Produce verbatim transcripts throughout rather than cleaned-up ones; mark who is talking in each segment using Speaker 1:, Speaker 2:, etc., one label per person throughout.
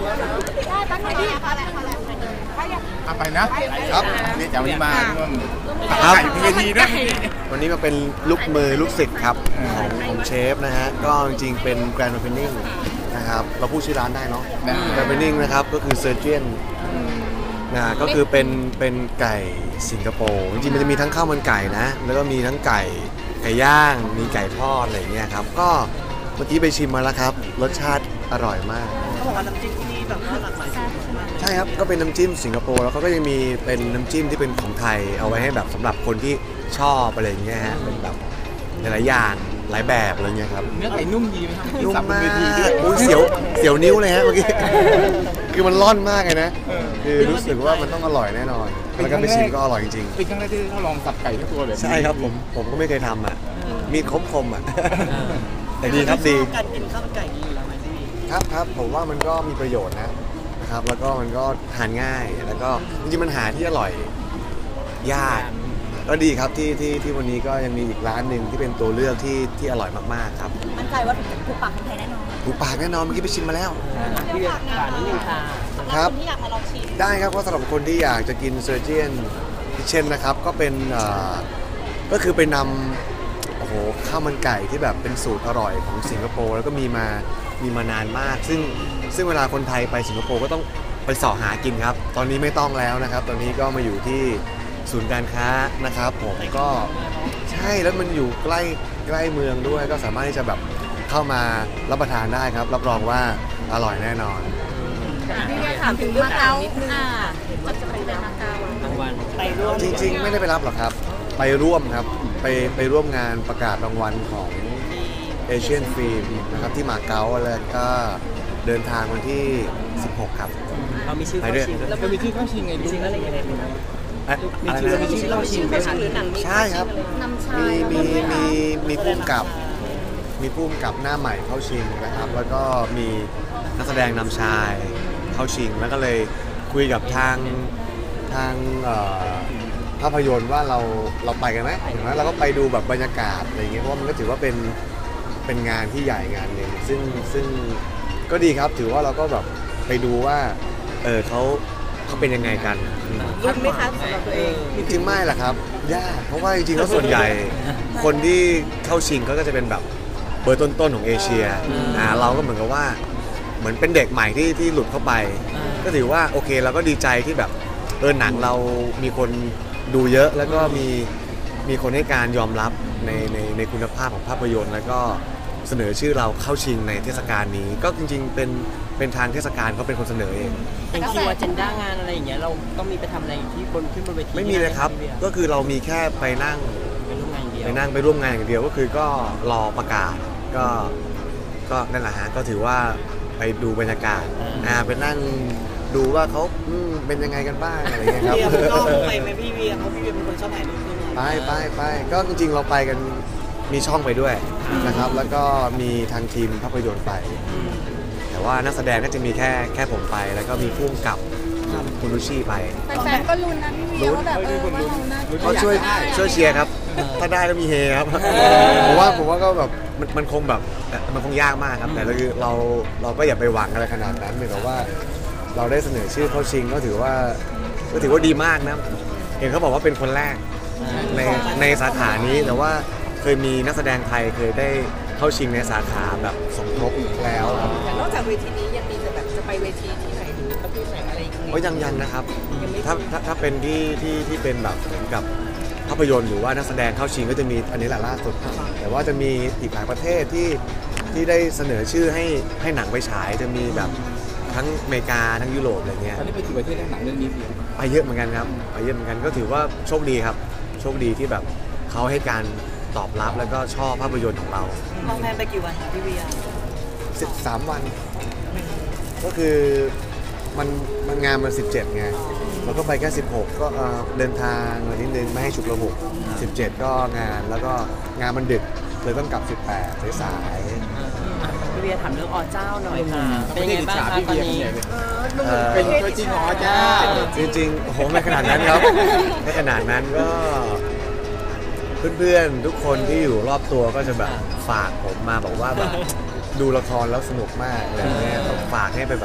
Speaker 1: ได้ตั้งไหนดีคะ
Speaker 2: เอาไปนะครับนี่จะวันนี้มาร่วมถ่ายเวทีด้วย
Speaker 3: วันนี้มาเป็นลูกมือลูกศิษย์ครับของของเชฟนะฮะก็จริงๆเป็นแกรนด์โอเพนนิ่งนะครับเราพูดชื่อร้านได้เนาะแกรนด์โอเพนนิ่งนะครับก็คือเซอร์เจียนนะก็คือเป็นเป็นไก่สิงคโปร์จริงๆมันจะมีทั้งข้าวมันไก่นะแล้วก็มีทั้งไก่ไก่ย่างมีไก่ทอดอะไรอย่างเงี้ยครับก็เมื่อกี้ไปชิมมาแล้วครับรสชาติอร่อยมาก
Speaker 4: เขาบอกว่าน้ำจิ้มที่นี่แบบหลากหลายสูตรมาก
Speaker 3: ใช่ครับก็เป็นน้ำจิ้มสิงคโปร์แล้วเขาก็ยังมีเป็นน้ำจิ้มที่เป็นของไทยเอาไว้ให้แบบสำหรับคนที่ชอบอะไรอย่างเงี้ยฮะเป็นแบบหลายอย่างหลายแบบอะไรเงี้ยครับ
Speaker 2: เนื้อไก่นุ่มดีไหมครับ
Speaker 3: นุ่มมากอุ้ยเสียวเสียวนิ้วเลยฮะเมื่อกี้คือมันร่อนมากเลยนะคือรู้สึกว่ามันต้องอร่อยแน่นอนแล้วก็ไปชิมก็อร่อยจริง
Speaker 2: ๆเป็นครั้งแรกที่เขาลองสับไก่ทั้งตัวแบบ
Speaker 3: ใช่ครับผมผมก็ไม่เคยทำอ่ะมีดคมๆอ่ะแต่ดีครับดี
Speaker 4: การกินข้าวมันไก่ดีอยู่แล้วไหมพี่
Speaker 3: ครับครับผมว่ามันก็มีประโยชน์นะนะครับแล้วก็มันก็ทานง่ายแล้วก็จริงๆมันหาที่อร่อยยากก็ดีครับที่ที่ที่วันนี้ก็ยังมีอีกร้านหนึ่งที่เป็นตัวเลือกที่ที่อร่อยมากๆครับ
Speaker 1: มั่นใจว่าถูกปากคนไทยแน่นอน
Speaker 3: ถูกปากแน่นอนเมื่อกี้ไปชิมมาแล้ว
Speaker 4: พี่ฝากนิดนึงค่ะ
Speaker 3: ครับ
Speaker 1: ที่อยากมาลองชิม
Speaker 3: ได้ครับก็สำหรับคนที่อยากจะกินเซอร์เจียนคิเช่นนะครับก็เป็นก็คือไปนำโอ้โหข้าวมันไก่ที่แบบเป็นสูตรอร่อยของสิงคโปร์แล้วก็มีมามีมานานมากซึ่งซึ่งเวลาคนไทยไปสิงคโปร์ก็ต้องไปเสาะหากินครับตอนนี้ไม่ต้องแล้วนะครับตอนนี้ก็มาอยู่ที่ศูนย์การค้านะครับผมก็ใช่แล้วมันอยู่ใกล้ใกล้เมืองด้วยก็สามารถที่จะแบบเข้ามารับประทานได้ครับรับรองว่าอร่อยแน่นอน
Speaker 1: พี่เรียกถามถึงมาเก๊านิดนึงจะจะไปเป็นมาเก๊าร
Speaker 4: างวัลไปร่วม
Speaker 3: จริงๆไม่ได้ไปรับหรอกครับไปร่วมครับไปไปร่วมงานประกาศรางวัลของเอเชียนฟิล์มนะครับที่มาเก๊าแล้วก็เดินทางวันที่สิบหกครับ
Speaker 4: เรามีชื่อเข้าชิง
Speaker 2: แล้วมีชื่อเข้าชิงไง
Speaker 4: ชิงอะไรยังไง
Speaker 3: มีชื่อ
Speaker 4: มีชื่อเข้าชิงไหมคะ
Speaker 3: ใช่ครับมีมีมีมีผู้กำกับมีผู้กำกับหน้าใหม่เข้าชิงนะครับแล้วก็มีนักแสดงนำชายเข้าชิงแล้วก็เลยคุยกับทางทางภาพยนตร์ว่าเราเราไปกันไหมอย่างนั้นเราก็ไปดูแบบบรรยากาศอะไรเงี้ยเพราะว่ามันก็ถือว่าเป็นเป็นงานที่ใหญ่งานหนึ่งซึ่งซึ่งก็ดีครับถือว่าเราก็แบบไปดูว่าเออเขาเขาเป็นยังไงกัน
Speaker 4: รุ่นไหมคะสำหรับตัวเอง
Speaker 3: จริงๆไม่ล่ะครับยากเพราะว่าจริงๆแล้วส่วนใหญ่คนที่เข้าชิงเขาก็จะเป็นแบบเบอร์ต้นๆของเอเชียอ่าเราก็เหมือนกับว่าเหมือนเป็นเด็กใหม่ที่ที่หลุดเข้าไปก็ถือว่าโอเคเราก็ดีใจที่แบบเออหนังเรามีคนดูเยอะแล้วก็มีมีคนให้การยอมรับในในในคุณภาพของภาพยนตร์แล้วก็เสนอชื่อเราเข้าชิงในเทศกาลนี้ก็จริงๆเป็นเป็นทางเทศกาลเขาเป็นคนเสนอเอง
Speaker 4: เป็นคิวอเจนด้างานอะไรอย่างเงี้ยเราต้องมีไปทำอะไรที่บนขึ้นบนเวที
Speaker 3: ไม่มีเลยครับก็คือเรามีแค่ไปนั่ง
Speaker 4: ไปร่วมงานเดียว
Speaker 3: ไปนั่งไปร่วมงานอย่างเดียวก็คือก็รอประกาศก็ก็นั่นแหละฮะก็ถือว่าไปดูบรรยากาศอ่าไปนั่งดูว่าเขาเป็นยังไงกันบ้างอะไรเงี้ยครับ
Speaker 4: พี่ก็ไปไหมพี่เวียเพราะพี่เวียเป็นคนชอบถ่ายรูป
Speaker 3: ไปไปไปก็จริงๆเราไปกันมีช่องไปด้วยนะครับแล้วก็มีทางทีมภาพยนตร์ไปแต่ว่านักแสดงก็จะมีแค่แค่ผมไปแล้วก็มีผู้กำกับคุณลุชี่ไป
Speaker 1: แฟนๆก็ลุ้นนะพี่เวียว่าแบบเออว่าเราน่า
Speaker 3: ก็ช่วยช่วยเชียร์ครับถ้าได้ก็มีเฮครับผมว่าผมว่าก็แบบมันมันคงแบบมันคงยากมากครับแต่เราคือเราเราก็อย่าไปหวังอะไรขนาดนั้นเหมือนกับว่าเราได้เสนอชื่อเข้าชิงก็ถือว่าก็ถือว่าดีมากนะเห็นเขาบอกว่าเป็นคนแรกในในสาขานี้แต่ว่าเคยมีนักแสดงไทยเคยได้เข้าชิงในสาขาแบบสมทบแล้ว
Speaker 4: นอกจากเวทีนี้ยังมีจะแบบจะไปเวทีที่ไหนหรือประเภทไหนอะไรอีกไหม
Speaker 3: โอ้ยังยังนะครับถ้าถ้าถ้าเป็นที่ที่ที่เป็นแบบเหมือนกับภาพยนตร์หรือว่านักแสดงเข้าชิงก็จะมีอันนี้แหละล่าสุดแต่ว่าจะมีอีกหลายประเทศที่ที่ได้เสนอชื่อให้ให้หนังไปฉายจะมีแบบทั้งอเมริกาทั้งยุโรปอะไรเงี้ย
Speaker 2: ตอนนี้ไปกี่ประเทศหนังเรื่องนี้
Speaker 3: ไปเยอะเหมือนกันครับไปเยอะเหมือนกันก็ถือว่าโชคดีครับโชคดีที่แบบเขาให้การตอบรับแล้วก็ชอบภาพยนตร์ของเรา
Speaker 4: มองแผนไปกี่วันคะพี่เวีย
Speaker 3: สิบสามวันก็คือมันมันงานมันสิบเจ็ดไงเราก็ไปแค่สิบหกก็เดินทางมานิดนึงไม่ให้ฉุกระหุกสิบเจ็ดก็งานแล้วก็งานมันดึกเลยต้องกลับสิบแปดสาย
Speaker 4: พี่เวียถามเรื่องอเจ้าหน่อยค่ะเป็นยังไงบ้างคะตอนนี้
Speaker 2: เป็นตัวจริงของอเจ้า
Speaker 3: จริงๆโหไม่ขนาดนั้นครับไม่ขนาดนั้นก็เพื่อนๆทุกคนที่อยู่รอบตัวก็จะแบบฝากผมมาบอกว่าแบบดูละครแล้วสนุกมากอะไรเงี้ยฝากให้ไปแบบ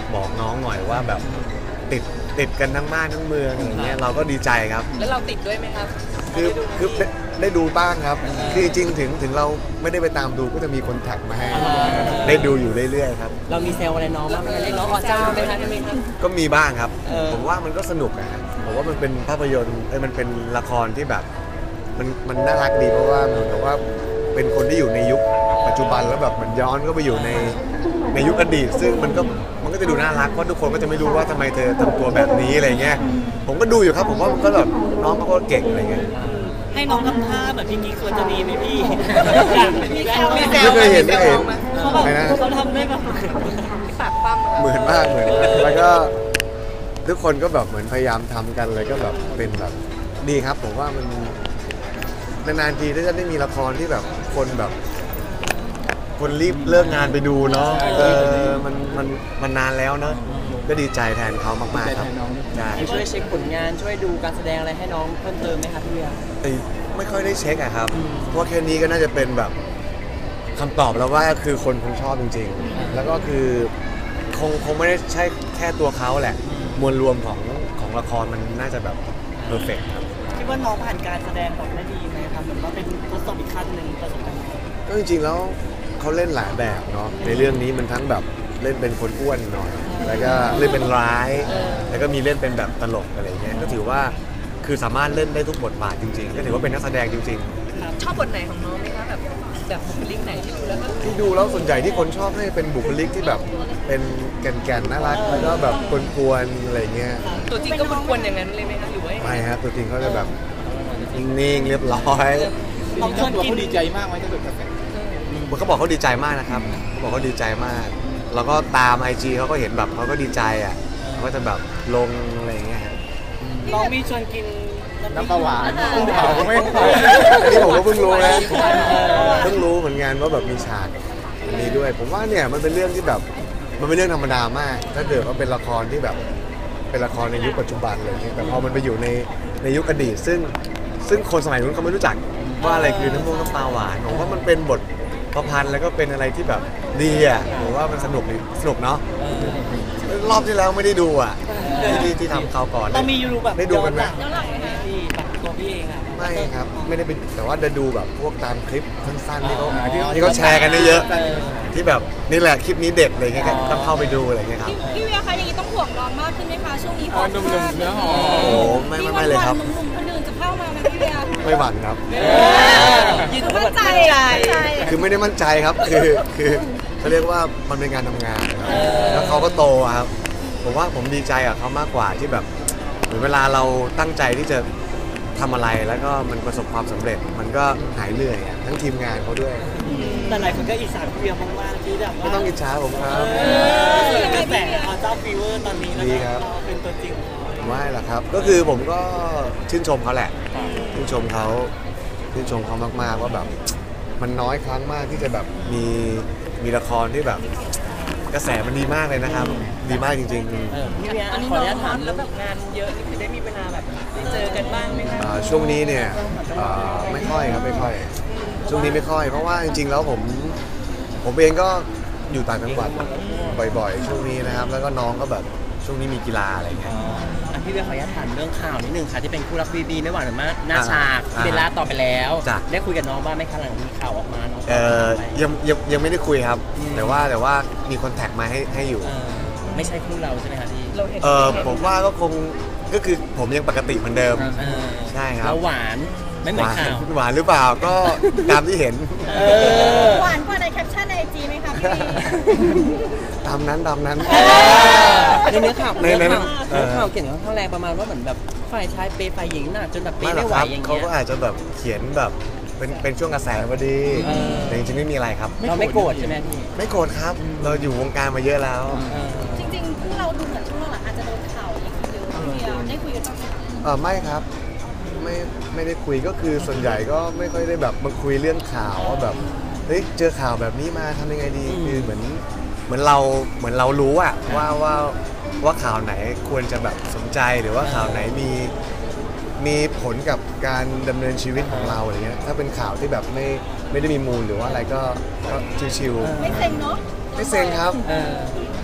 Speaker 3: บอกน้องหน่อยว่าแบบติดติดกันทั้งบ้านทั้งเมืองอย่างเงี้ยเราก็ดีใจครับ
Speaker 4: แล้วเราติดด้วยไหมครับ
Speaker 3: คือคือได้ได้ดูบ้างครับคือจริงถึงถึงเราไม่ได้ไปตามดูก็จะมีคนแท็กมาให้ได้ดูอยู่เรื่อยๆครับ
Speaker 4: เรามีเซลอะไรน้องบ้างไหมเรียกน้องอ๋อเจ้าไหมคะใช่ไหมครับ
Speaker 3: ก็มีบ้างครับผมว่ามันก็สนุกนะผมว่ามันเป็นภาพยนตร์เอ้ยมันเป็นละครที่แบบมันมันน่ารักดีเพราะว่าเหมือนกับว่าเป็นคนที่อยู่ในยุคปัจจุบันแล้วแบบเหมือนย้อนก็ไปอยู่ในในยุคอดีตซึ่งมันก็มันก็จะดูน่ารักเพราะทุกคนก็จะไม่รู้ว่าทำไมเธอทำตัวแบบนี้อะไรเงี้ยผมก็ดูอยู่ครับผมว่ามันก็แบบน้องเขาก็เก่งอะไรเงี้ย
Speaker 4: ให้น้องทำท่าแบบพี่กิ๊กควรจะมีไหมพี่มีแซวมีแซว
Speaker 3: ไม่เคยเห็นไม่เคยเห็น
Speaker 4: เขาแบบเขาทำได้แบบ
Speaker 1: ปากปั้ม
Speaker 3: เหมือนมากเหมือนแล้วก็ทุกคนก็แบบเหมือนพยายามทำกันเลยก็แบบเป็นแบบดีครับผมว่ามันนานๆทีถ้าจะได้มีละครที่แบบคนแบบคนรีบเลิกงานไปดูเนาะเออมันมันมันนานแล้วเนาะก็ดีใจแทนเขามากๆครับใช่
Speaker 4: ช่วยเช็คผลงานช่วยดูการแสดงอะไรให้น้องเพิ่มเติมไหมครับพี่เวีย
Speaker 3: ไม่ค่อยได้เช็คอะครับเพราะแค่นี้ก็น่าจะเป็นแบบคำตอบแล้วว่าคือคนคงชอบจริงๆแล้วก็คือคงคงไม่ได้ใช่แค่ตัวเขาแหละมวลรวมของของละครมันน่าจะแบบเพอร์เฟกต์ครับ
Speaker 4: คิดว่าน้องผ่านการแสดงแบบได้ดีไหมครับเหมือนว่าเป็นทดสอบอีกขั้นหนึ่งประสบการณ์
Speaker 3: ก็จริงๆแล้วเขาเล่นหลายแบบเนาะในเรื่องนี้มันทั้งแบบเล่นเป็นคนอ้วนหน่อยแล้วก็เล่นเป็นร้ายแล้วก็มีเล่นเป็นแบบตลกอะไรเงี้ยก็ถือว่าคือสามารถเล่นได้ทุกบทบาทจริงๆก็ถือว่าเป็นนักแสดงจริง
Speaker 1: ๆชอบบทไหนของน้องไหมคะแบบแบบบุคลิกไหนที่ดูแล้ว
Speaker 3: ที่ดูแล้วส่วนใหญ่ที่คนชอบให้เป็นบุคลิกที่แบบเป็นแก่นๆน่ารักแล้วก็แบบกวนๆอะไรเงี้ย
Speaker 1: ตัวจริงก็กวนๆอย่างนั้นเลยไหมคะหรือว่า
Speaker 3: ไม่ครับตัวจริงเขาจะแบบนิ่งๆเรียบร้อย
Speaker 2: เขาตัวเขาดีใจมากไหมถ้าเกิด
Speaker 3: เขาบอกเขาดีใจมากนะครับเขาบอกเขาดีใจมากแล้วก็ตาม ไอ จี เขาก็เห็นแบบเขาก็ดีใจอ่ะเขาก็จะแบบลงอะไรอย่างเงี้ย
Speaker 4: น้องมีชวนกิน
Speaker 2: น้ำปลาหวานกุ้งเผาไม่
Speaker 3: อันนี้ผมก็เพิ่งรู้นะเพิ่งรู้เหมือนกันว่าแบบมีฉากอันนี้ด้วยผมว่าเนี่ยมันเป็นเรื่องที่แบบมันเป็นเรื่องธรรมดามากถ้าเกิดว่าเป็นละครที่แบบเป็นละครในยุคปัจจุบันอะไรอย่างเงี้ยแต่พอมันไปอยู่ในในยุคอดีตซึ่งซึ่งคนสมัยนู้นเขาไม่รู้จักว่าอะไรคือน้ำมันน้ำปลาหวานผมว่ามันเป็นบทประพันธ์แล้วก็เป็นอะไรที่แบบดีอ่ะผมว่ามันสนุกสนุกเนาะรอบที่แล้วไม่ได้ดูอ่ะที่ที่ทำเขาก่อน
Speaker 4: ต้องมียูรูแบบ
Speaker 3: ได้ดูกันไหม
Speaker 4: ที่แบบตัวพี่เองอ่ะ
Speaker 3: ไม่ครับไม่ได้เป็นแต่ว่าจะดูแบบพวกตามคลิปสั้นๆที่เขาที่เขาแชร์กันเยอะที่แบบนี่แหละคลิปนี้เด็ดอะไรเงี้ยต้องเข้าไปดูอะไรเงี้ยครับ
Speaker 1: พี่เวียคะอย่างนี้ต้องห่วงน้องมากขึ้นไหมคะช่วงนี้พอ
Speaker 2: หนุ่มๆเนื้อหอม
Speaker 3: โอ้ไม่ไม่ไม่เลยครับ
Speaker 1: หนุ่มๆคนอื่นจะเข้ามาไหมพี่เวีย
Speaker 3: ไม่หวั่นครับ
Speaker 1: ยืนมั่นใจ
Speaker 3: คือไม่ได้มั่นใจครับคือคือเขาเรียกว่ามันเป็นการทำงานแล้วเขาก็โตครับผมว่าผมดีใจกับเขามากกว่าที่แบบเหมือนเวลาเราตั้งใจที่จะทำอะไรแล้วก็มันประสบความสำเร็จมันก็หายเหนื่อยทั้งทีมงานเขาด้วย
Speaker 4: แต่หลายคนก็อิจฉาพี่เวียมากๆที่แบบว่า
Speaker 3: ไม่ต้องอิจฉาผมครับ
Speaker 4: กระแสเขาเจ้าฟีเวอร์ตอนนี้แล้วก็เป็นตัวจริง
Speaker 3: ไม่หรอกครับก็คือผมก็ชื่นชมเขาแหละชื่นชมเขาชื่นชมเขามากๆว่าแบบมันน้อยครั้งมากที่จะแบบมีมีละครที่แบบกระแสมันดีมากเลยนะครับดีมากจริง
Speaker 4: ๆพี่เวียขออนุญาตถามแล้วแบบงานเยอะนี่คือได้มีเวลาแบบได้เจอกันบ้างไหมคะ
Speaker 3: ช่วงนี้เนี่ยไม่ค่อยครับไม่ค่อยช่วงนี้ไม่ค่อยเพราะว่าจริงๆแล้วผมผมเองก็อยู่ต่างจังหวัดบ่อยๆช่วงนี้นะครับแล้วก็น้องก็แบบช่วงนี้มีกีฬาอะไรเงี้ย
Speaker 4: พี่เวียขออนุญาตถามเรื่องข่าวนิดนึงค่ะที่เป็นคู่รักบีบีไม่หวานหรือไม่หน้าฉากเบลล่าต่อไปแล้วได้คุยกับน้องบ้างไหมคะหลังมีข่าวออกมาน้อง
Speaker 3: เออยังยังยังไม่ได้คุยครับแต่ว่าแต่ว่ามีคอนแทคมาให้ให้อยู่
Speaker 4: ไม่ใช่คู่เราใช่ไหมคะที่
Speaker 3: เออผมว่าก็คงก็คือผมยังปกติเหมือนเดิมใช่ครับ
Speaker 4: แล้วหวานไม่เหมือนข่าว
Speaker 3: หวานหรือเปล่าก็ตามที่เห็น
Speaker 1: หวานกว่าในแคปชั่นในไอจีไหมคะพี่
Speaker 3: ตามนั้นตามนั้น
Speaker 4: ในเนื้อข่าวในเนื้อข่าวเขียนค่อนข้างแรงประมาณว่าเหมือนแบบฝ่ายชายเปย์ฝ่ายหญิงหนักจนแบบเปย์ไม่ไหวอย่างเงี้ย
Speaker 3: เขาก็อาจจะแบบเขียนแบบเป็นเป็นช่วงกระแสพอดีแต่จริงๆไม่มีอะไรครับ
Speaker 4: เราไม่โกรธใช่ไหมพี่
Speaker 3: ไม่โกรธครับเราอยู่วงการมาเยอะแล้ว
Speaker 1: จริงๆคู่เราดูเหมือนช่วงหลังอาจจะโดนข่าวอย่างเดียวเดียวได้คุยกันบ้างไหม
Speaker 3: เออไม่ครับไม่ไม่ได้คุยก็คือส่วนใหญ่ก็ไม่ค่อยได้แบบมาคุยเรื่องข่าวว่าแบบเฮ้ยเจอข่าวแบบนี้มาทำยังไงดีคือเหมือนเหมือนเราเหมือนเรารู้อะว่าว่าว่าข่าวไหนควรจะแบบสนใจหรือว่าข่าวไหนมีมีผลกับการดำเนินชีวิตของเราอะไรเงี้ยถ้าเป็นข่าวที่แบบไม่ไม่ได้มีมูลหรือว่าอะไรก็ก็ชิว
Speaker 1: ๆไม่เซ็งเนาะ
Speaker 3: ไม่เซ็งครับ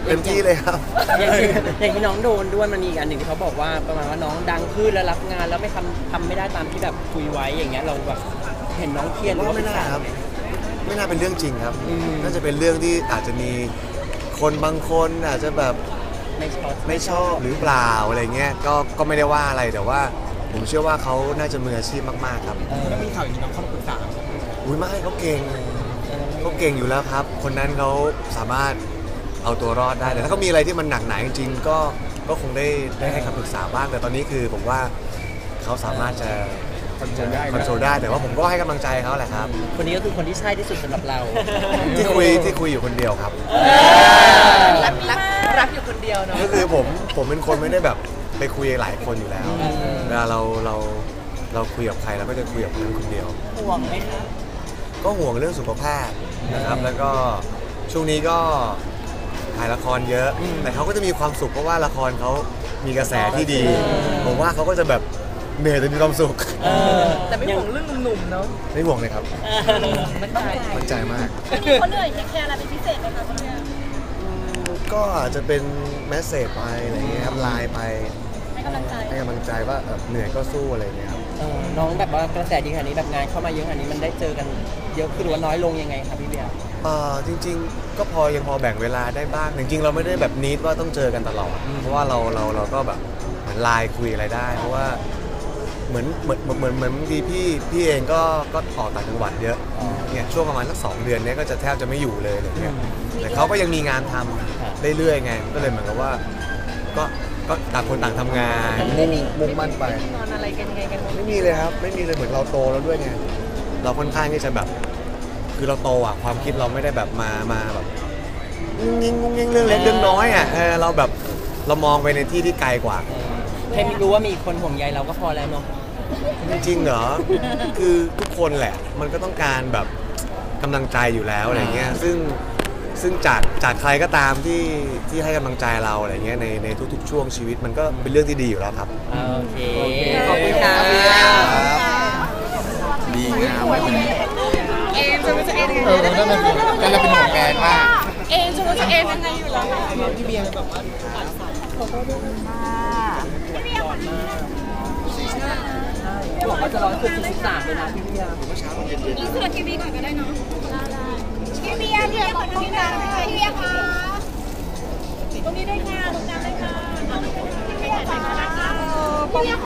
Speaker 3: เต็มที่เลยครับ
Speaker 4: อย่างที่อย่างที่น้องโดนด้วยมันมีอีกอันหนึ่งที่เขาบอกว่าประมาณว่าน้องดังขึ้นแล้วรับงานแล้วไม่ทำทำไม่ได้ตามที่แบบคุยไว้อย่างเงี้ยเราแบบเห็นน้องเครียดหรือว่า
Speaker 3: ไม่
Speaker 4: เป็น
Speaker 3: น่า
Speaker 4: สา
Speaker 3: ครับ ไม่น่าเป็นเรื่องจริงครับ
Speaker 4: อืม
Speaker 3: น่าจะเป็นเรื่องที่อาจจะมีคนบางคนอาจจะแบบ
Speaker 4: ไม่ชอบ
Speaker 3: ไม่ชอบหรือเปล่าอะไรเงี้ยก็ก็ไม่ได้ว่าอะไรแต่ว่าผมเชื่อว่าเขาน่าจะมืออาชีพมากๆครับ
Speaker 2: ก็มีข่าวอย่างนี้น้องเข้ามาปรึกษา
Speaker 3: อุ้ยไม่เขาเก่งเขาเก่งอยู่แล้วครับ คนนั้นเขาสามารถเอาตัวรอดได้แต่ถ้าเขามีอะไรที่มันหนักหนาจริงๆก็ก็คงได้ได้ให้คำปรึกษาบ้างแต่ตอนนี้คือผมว่าเขาสามารถจะ
Speaker 2: คอนโทรลได้
Speaker 3: คอนโทรลได้แต่ว่าผมก็ให้กำลังใจเขาแหละครับ
Speaker 4: คนนี้ก็คือคนที่ใช่ที่สุดสำหรับเรา
Speaker 3: ที่คุยที่คุยอยู่คนเดียวครับ
Speaker 1: รักรักรักอยู่คนเดียวเนาะ
Speaker 3: ก็คือผมผมเป็นคนไม่ได้แบบไปคุยหลายคนอยู่แล้วเวลาเราเราเราคุยกับใครเราก็จะคุยกับคนนั้นคนเดียว
Speaker 4: ห่วงไหมคะ
Speaker 3: ก็ห่วงเรื่องสุขภาพนะครับแล้วก็ช่วงนี้ก็ถ่ายละครเยอะ แต่เขาก็จะมีความสุขเพราะว่าละครเขามีกระแสที่ดีผมว่าเขาก็จะแบบเหนื่อยแต่มีความสุข
Speaker 4: เออ
Speaker 1: แต่ไม่ห่วงเรื่องหนุ่มๆเนาะ
Speaker 3: ไม่ห่วงเลยครับ
Speaker 1: มันใจ
Speaker 3: มั่นใจมาก
Speaker 1: มีคนเหนื่อยแคร์อะไรเป็นพิเศษไหมคะคนเนี้ย
Speaker 3: ก็อาจจะเป็นแมสเซจไปอะไรเงี้ยครับไลน์ไป
Speaker 1: ให้กำลังใจ
Speaker 3: ให้กำลังใจว่าเอ่อเหนื่อยก็สู้อะไรเงี้ยครับ
Speaker 4: เออน้องแบบว่ากระแสดีขนาดนี้แบบงานเข้ามาเยอะขนาดนี้มันได้เจอกันเยอะขึ้นหรือว่าน้อยลงยังไงครับพี่เบียร์
Speaker 3: เอ่อจริงๆ ก็พอยังพอแบ่งเวลาได้บ้างจริงๆเราไม่ได้แบบนิดว่าต้องเจอกันตลอดเพราะว่าเราเราเราก็แบบเหมือนไลน์คุยอะไรได้ เพราะว่าเหมือนเหมือนเหมือนเหมือนบางทีพี่พี่เองก็ก็ออกต่างจังหวัดเยอะเนี่ยช่วงประมาณสักสองเดือนเนี้ยก็จะแทบจะไม่อยู่เลยอะไรเงี้ยแต่เขาก็ยังมีงานทำเรื่อยๆไงก็เลยเหมือนกับว่าก็ก็ต่างคนต่างทำงานมุ่งมุ่งมั่นไป
Speaker 1: นอนอะไรกันยังไงกันบ้าง
Speaker 3: ไม่มีเลยครับไม่มีเลยเหมือนเราโตแล้วด้วยไงเราค่อนข้างที่จะแบบคือเราโตอ่ะความคิดเราไม่ได้แบบมามาแบบงุ้งงิ้งงุ้งงิ้งเรื่องเล็กเรื่องน้อยอ่ะเออเราแบบเรามองไปในที่ที่ไกลกว่า
Speaker 4: แค่รู้ว่ามีคนห่วงใยเราก็พอแล้วเนาะ
Speaker 3: จริงๆเหรอ คือทุกคนแหละ มันก็ต้องการแบบกำลังใจอยู่แล้วอะไรเงี้ย ซึ่งซึ่งจากจากใครก็ตามที่ที่ให้กำลังใจเราอะไรเงี้ยในในทุกๆช่วงชีวิตมันก็เป็นเรื่องที่ดีอยู่แล้วครับ
Speaker 4: โอเค ขอบคุณค่ะ
Speaker 2: ดีงามไว้วันนี้
Speaker 1: เอมจะรู้จะเอมยังไง
Speaker 2: เออนั่นมันกันเราเป็นห่วงแกมาก
Speaker 1: เอมจะรู้จะเอมยังไงอยู่แล้ว
Speaker 2: พี่เบียร์แบบว่า
Speaker 4: บอกว่าจะร้อยคือสิบสามเลยนะพี่เบียร์
Speaker 1: อีเสือทีวีก่อนก็ได้เนาะพี่เบียร์พี่เบียร์ขอพี่เบียร์พี่เบียร์ค่ะตรงนี้ได้ค่ะตรงกลางได้ค่ะพี่เบียร์ค่ะพี่เบียร์